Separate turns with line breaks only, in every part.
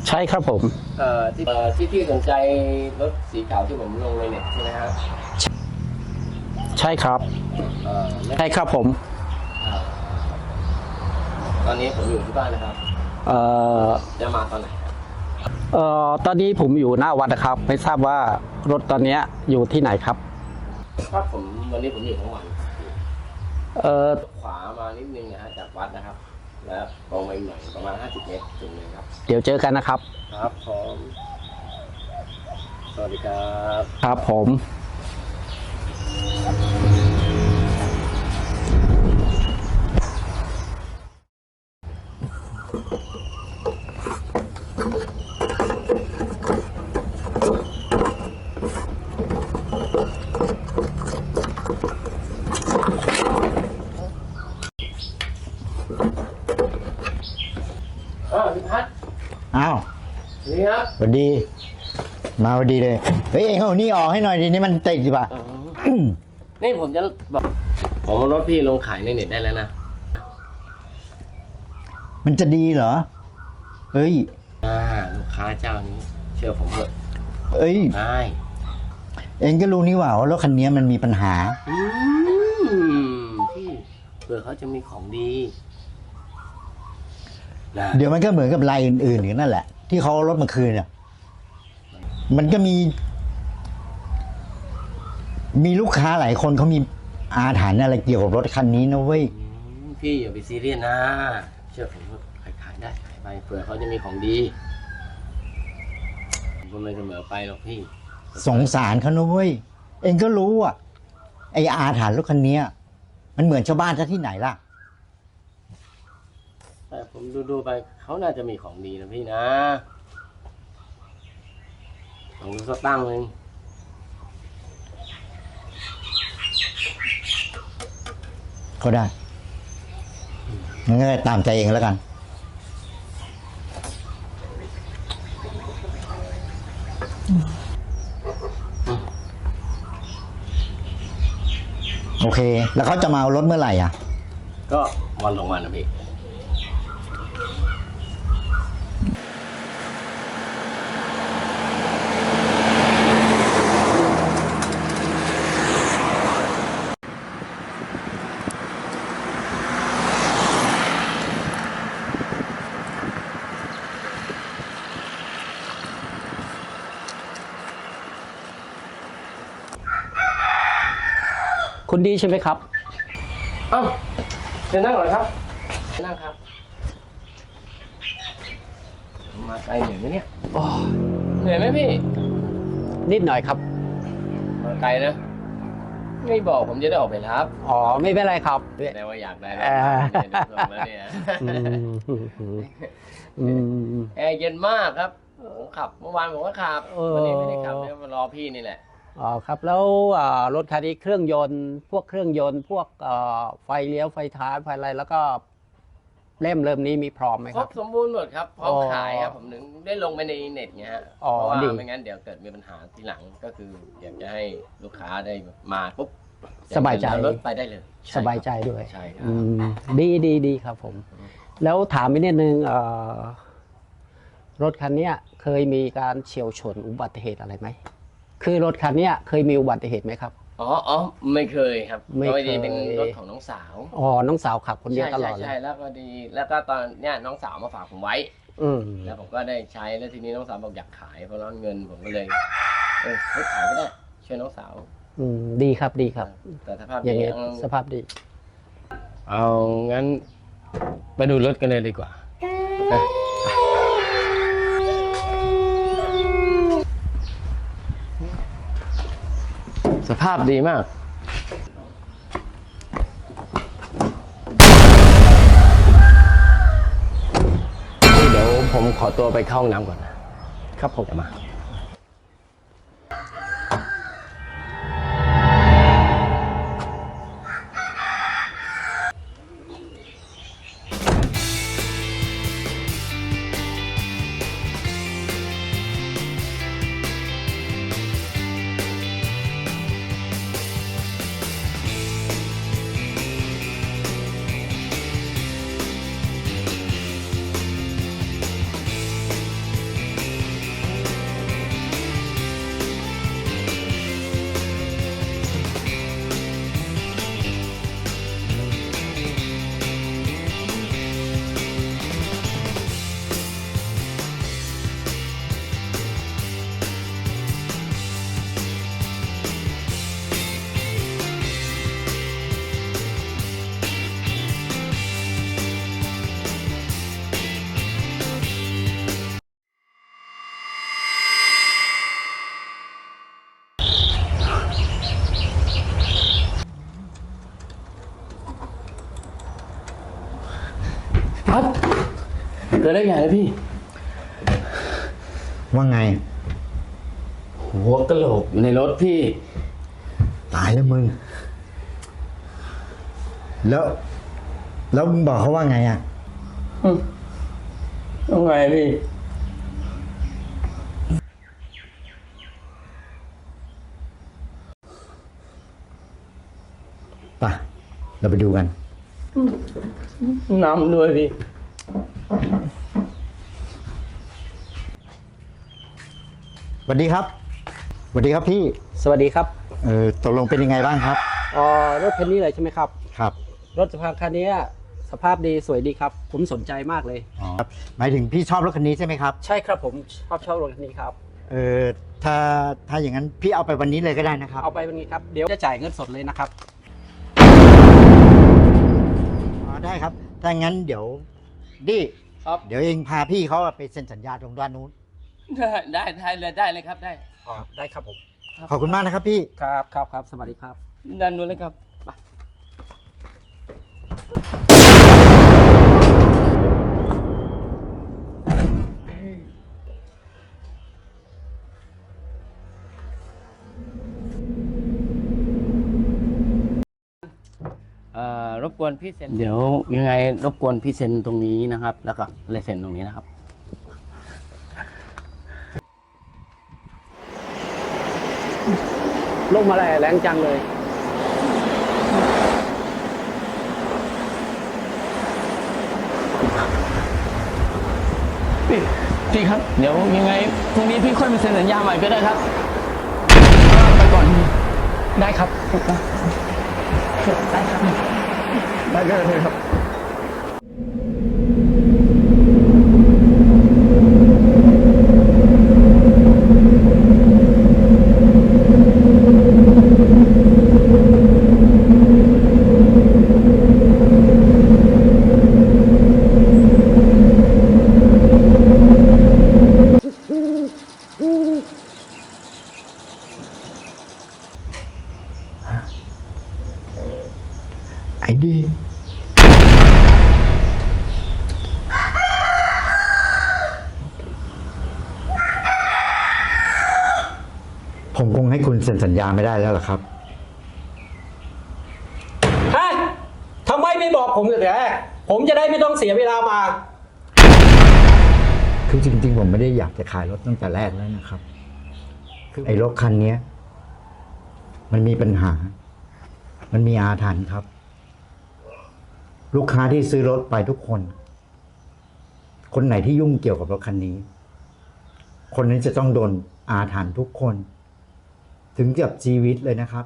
ใช่ครับผม
ที่สนใจรถสีขาวที่ผมลงในเน็ตใช่ไหมครับ
ใช่ครับใช่ครับผม
ตอนนี้ผมอยู่ที่บ้านนะครับจะมาตอนไหนครับ
ตอนนี้ผมอยู่หน้าวัดนะครับไม่ทราบว่ารถตอนนี้อยู่ที่ไหนครับ
ครับวันนี้ผมอยู่ทั้งวันขวามานิดนึงนะฮะจากวัดนะครับแล้วตรงไปหน่อยประมาณ50 เมตรถึงเลยครับ
เดี๋ยวเจอกันนะครับ
ครับผมสวัสดีครับ
ครับผม
พี่พัฒน์
อ้าว
นี่ครับ
สวัสดีมาพอดีเลยเฮ้ยเอ็งเอานี่ออกให้หน่อยดินี่มันติดอยู่ป่ะ
นี่ผมจะบอกผมรถพี่ลงขายในเน็ตได้แล้วนะ
มันจะดีเหรอเฮ้ย
ลูกค้าเจ้านี้เชื่อผมเถอะ
เอ้ย
ได้
เอ็งก็รู้นี่หว่ารถคันนี้มันมีปัญหา
พี่เผื่อเขาจะมีของดี
เดี๋ยวมันก็เหมือนกับรายอื่นๆอย่างนั่นแหละที่เขาเอารถมาคืนเนี่ยมันก็มีลูกค้าหลายคนเขามีอาถรรพ์อะไรเกี่ยวกับรถคันนี้นะเว้ย
พี่อย่าไปซีเรียสนะเชื่อผมว่าขายได้ขายไปเผื่อเขาจะมีของดีผมไม่เสมอไปหรอกพี่
สงสารเขานะเว้ยเอ็งก็รู้อ่ะไออาถรรพ์รถคันนี้มันเหมือนชาวบ้านซะที่ไหนล่ะ
แต่ผมดูไปเขาน่าจะมีของดีนะพี่นะของดูสักตั้งนึง
ก็ได้งั้นก็ตามใจเองแล้วกันโอเคแล้วเขาจะมาเอารถเมื่อไหร่อ่ะ
ก็วันสองวันนะพี่
คุณดีใช่ไหมครับ
เชิญนั่งหน่อยครับนั่งครับมาไกลเหนื่อยไหมเนี่ยเหนื่อยไหมพี่
นิดหน่อยครับ
มาไกลนะไม่บอกผมจะได้ออกไปรับ
อ๋อไม่เป็นไรครับ
แต่ว่าอยากได้แล้วเนี่ยแอร์เย็นมากครับผมขับเมื่อวานผมก็ขับวันนี้ไม่ได้ขับเนี่ยมารอพี่นี่แหละ
อ๋อครับแล้วรถคันนี้เครื่องยนต์พวกเครื่องยนต์พวกไฟเลี้ยวไฟท้ายไฟอะไรแล้วก็เริ่มนี้มีพร้อมไหมครับ
ครบสมบูรณ์หมดครับพร้อมขายครับผมถึงได้ลงไปในเน็ตเงี้ยเพราะว่าไม่งั้นเดี๋ยวเกิดมีปัญหาทีหลังก็คืออยากจะให้ลูกค้าได้มาปุ๊บ
สบายใจ
รถไปได้เลย
สบายใจด้วย
ใช่ครับ
ดีครับผมแล้วถามไปนิดนึงรถคันนี้เคยมีการเฉียวชนอุบัติเหตุอะไรไหมคือรถคันนี้เคยมีอุบัติเหตุไหมครับ
อ๋อไม่เคยครับไม่เคยเป็นรถของน้องสาว
น้องสาวขับคนเดียวตลอด
ใช่แล้วก็ดีแล้วก็ตอนเนี้ยน้องสาวมาฝากผมไว้แล้วผมก็ได้ใช้แล้วทีนี้น้องสาวบอกอยากขายเพราะร้อนเงินผมก็เลยให้ขายก็ได้ช่วยน้องสาว
ดีครับ
แต่สภาพ
อย่างนี้สภาพดี
เอางั้นไปดูรถกันเลยดีกว่าสภาพดีมากนี่เดี๋ยวผมขอตัวไปเข้าห้องน้ำก่อนนะครับผมจะมาเกิดเรื่องใหญ่เลยพี่
ว่าไง
หัวกะโหลกอยู่ในรถพี่
ตายแล้วมึง แล้วมึงบอกเขาว่าไงอ่ะ
ต้องไงพี่
ป่ะ เราไปดูกัน
น้ำด้วยพี่
สวัสดีครับ สวัสดีครับพี่
สวัสดีครับ
ตกลงเป็นยังไงบ้างครับ
รถคันนี้เลยใช่ไหมครับ
ครับ
รถสภาพคันนี้สภาพดีสวยดีครับ ผมสนใจมากเลย
อ๋อหมายถึงพี่ชอบรถคันนี้ใช่ไหมครับ
ใช่ครับผมชอบรถคันนี้ครับ
ถ้าอย่างนั้นพี่เอาไปวันนี้เลยก็ได้นะครับ
เอาไปเป็นไงครับ เดี๋ยวจะจ่ายเงินสดเลยนะครับ
อ๋อได้ครับ ถ้างั้นเดี๋ยวดิ
ครับ
เดี๋ยวเองพาพี่เขาไปเซ็นสัญญาตรงด้านนู้น
ได้เลยครับได้
ได้ครับผม
ขอบคุณมากนะครับพี่
ครับ สวัสดีครับ
ด้านนู้นเลยครับไป รบกวนพี่เซ็นเดี๋ยวยังไงรบกวนพี่เซ็นตรงนี้นะครับ แล้วก็ลายเซ็นตรงนี้นะครับ
ลงมาแรงจังเลย
พี่ครับ เดี๋ยวยังไงพรุ่งนี้พี่ค่อยมาเซ็นสัญญาใหม่ก็ได้ครับไปก่อน
ได้ครับ
ได้ก็ได้ครับ
ไอ้ดี ผมคงให้คุณเซ็นสัญญาไม่ได้แล้วล่ะครับ
ฮะทำไมไม่บอกผมแต่แรกผมจะได้ไม่ต้องเสียเวลามา
คือจริงๆ ผมไม่ได้อยากจะขายรถตั้งแต่แรกแล้วนะครับ ไอ้รถคันนี้ มันมีปัญหา มันมีอาถรรพ์ครับ ลูกค้าที่ซื้อรถไปทุกคน คนไหนที่ยุ่งเกี่ยวกับรถคันนี้ คนนั้นจะต้องโดนอาถรรพ์ทุกคน ถึงกับชีวิตเลยนะครับ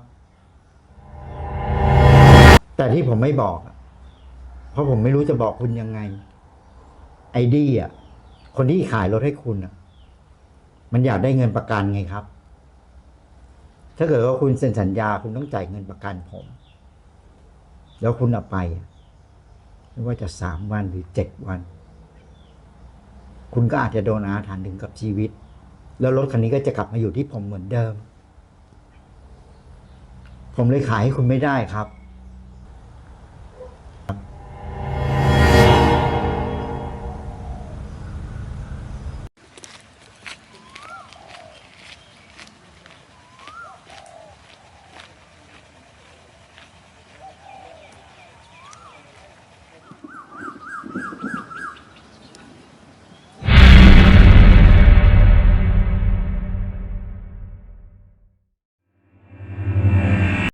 แต่ที่ผมไม่บอกอะเพราะผมไม่รู้จะบอกคุณยังไง ไอ้ดี้อ่ะ คนที่ขายรถให้คุณอ่ะ มันอยากได้เงินประกันไงครับ ถ้าเกิดว่าคุณเซ็นสัญญาคุณต้องจ่ายเงินประกันผม แล้วคุณเอาไปอะไม่ว่าจะ3 วันหรือ7 วัน คุณก็อาจจะโดนอาถรรพ์ถึงกับชีวิต แล้วรถคันนี้ก็จะกลับมาอยู่ที่ผมเหมือนเดิม ผมเลยขายให้คุณไม่ได้ครับ